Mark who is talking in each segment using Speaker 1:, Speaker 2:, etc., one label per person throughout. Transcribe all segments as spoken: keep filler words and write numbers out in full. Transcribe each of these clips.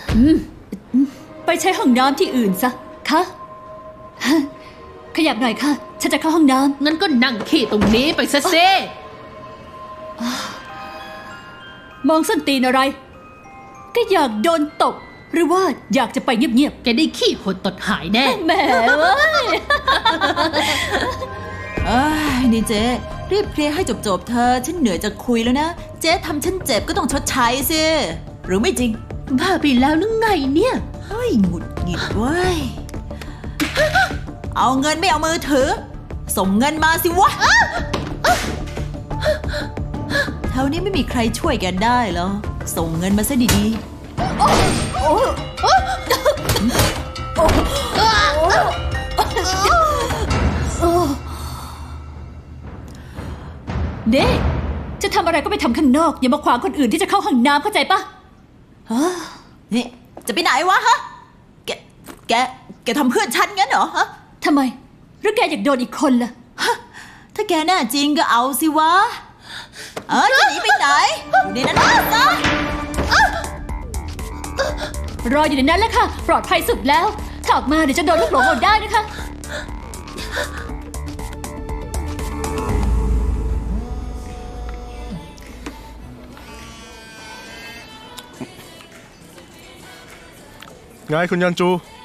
Speaker 1: อืมไปใช้ห้องน้ำที่อื่นซะคะขยับหน่อยค่ะฉันจะเข้าห้องน้ำ
Speaker 2: งั้นก็นั่งขี้ตรงนี้ไปซะเซ่
Speaker 1: มองส้นตีนอะไรก็อยากโดนตบหรือว่าอยากจะไปเงียบ
Speaker 2: แกได้ขี้หดตดหายแน่
Speaker 1: ๆแหมเว้ย
Speaker 3: เอ้ยนี่เจ๊รีบเคลียร์ให้จบๆเธอฉันเหนื่อยจะคุยแล้วนะเจ๊ทำฉันเจ็บก็ต้องชดใช้สิหรือไม่จริง
Speaker 2: บ้าไปแล้วนึกไงเนี่ย
Speaker 3: เฮ้ยหงุดหงิดเว้ยเอาเงินไม่เอามือถือส่งเงินมาสิวะแถวนี้ไม่มีใครช่วยแกได้หรอส่งเงินมาซะดีๆ
Speaker 1: เด้จะทำอะไรก็ไปทำข้างนอกอย่ามาขวางคนอื่นที่จะเข้าห้องน้ำเข้าใจปะ
Speaker 3: นี่จะไปไหนวะฮะแกแกแกทำเพื่อนฉันงั้นเหรอฮะ
Speaker 1: ทำไมหรือแกอยากโดนอีกคนล่ะ
Speaker 3: ฮะถ้าแกแน่จริงก็เอาสิวะเออจะหนีไปไหนอยู่ในนั้นนะ
Speaker 1: รออยู่ในนั้นแหละค่ะปลอดภัยสุดแล้วถ้าออกมาเดี๋ยวจะโดนลูกหลงเอาได้นะคะ
Speaker 4: ไงคุณยันจู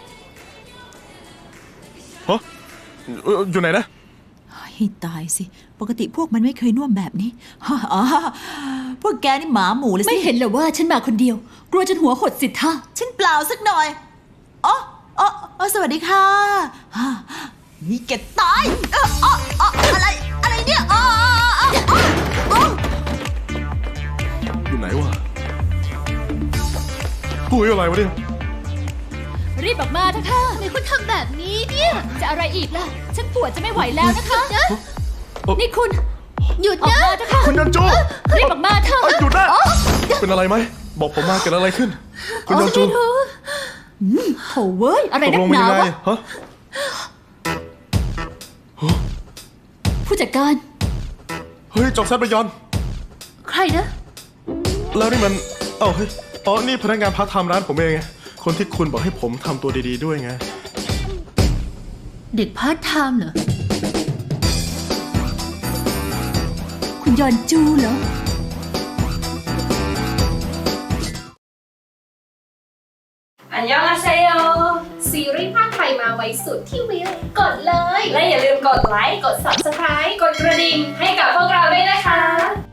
Speaker 4: ฮะเอ่ออยู่ไหนนะ
Speaker 3: ให้ตายสิปกติพวกมันไม่เคยน่วมแบบนี้อ๋อพวกแกนี่หมาหมูเลยสิ
Speaker 1: ไม่เห็นเหรอว่าฉันมาคนเดียว กลัวจนหัวหดสิท่า
Speaker 3: ฉันเปล่าสักหน่อยอ๋ออ๋ออ๋อสวัสดีค่ะฮ่านี่แกตายเอออ๋ออ๋ออะไรอะไรเนี่ยอ๋ออ๋ออ๋ออ๋อ
Speaker 4: อยู่ไหนวะปุ้ยอะไรวะเนี่ย
Speaker 1: รีบออกมาเถอะค่ะ
Speaker 2: ทำไมคุณทำแบบนี้เนี่ย
Speaker 1: จะอะไรอีกล่ะ ฉันปวดจะไม่ไหวแล้วนะคะ นี่คุณ
Speaker 2: หยุด
Speaker 1: ออก
Speaker 2: นะ
Speaker 1: มาเถอะค่ะ
Speaker 4: คุณยันจู
Speaker 1: รีบออกมาเถอะ
Speaker 4: เอ้ยหยุดนะเป็นอะไรไหมบอกผมมาเกิดอะไรขึ้น คุณยันจู
Speaker 1: โถเว้ยอะไร
Speaker 4: ตก
Speaker 1: นั
Speaker 4: ล
Speaker 1: ก
Speaker 4: ง
Speaker 1: ห
Speaker 4: เป็น
Speaker 1: นา
Speaker 4: ยังไง
Speaker 1: วะ
Speaker 4: ฮะ
Speaker 1: ผู้จัดการ
Speaker 4: เฮ้ยจอกแซดไปยอน
Speaker 2: ใครนะ
Speaker 4: แล้วนี่มันเอ้าเฮ้ยอ๋อนี่พนักงานพาร์ทไทม์ร้านผมเองไงคนที่คุณบอกให้ผมทำตัวดีๆด้วยไง
Speaker 2: เด็กพาร์ทไทม์เหรอ
Speaker 1: คุณยอนจูเหรอ
Speaker 5: อันยองอาเซโย
Speaker 6: ซีรีส์ภาคไทยมาไว้สุดที่วิวกดเลย
Speaker 5: และอย่าลืมกดไลค์ กด ซับสไครบ์ กดกระดิ่งให้กับพวกเราด้วยนะคะ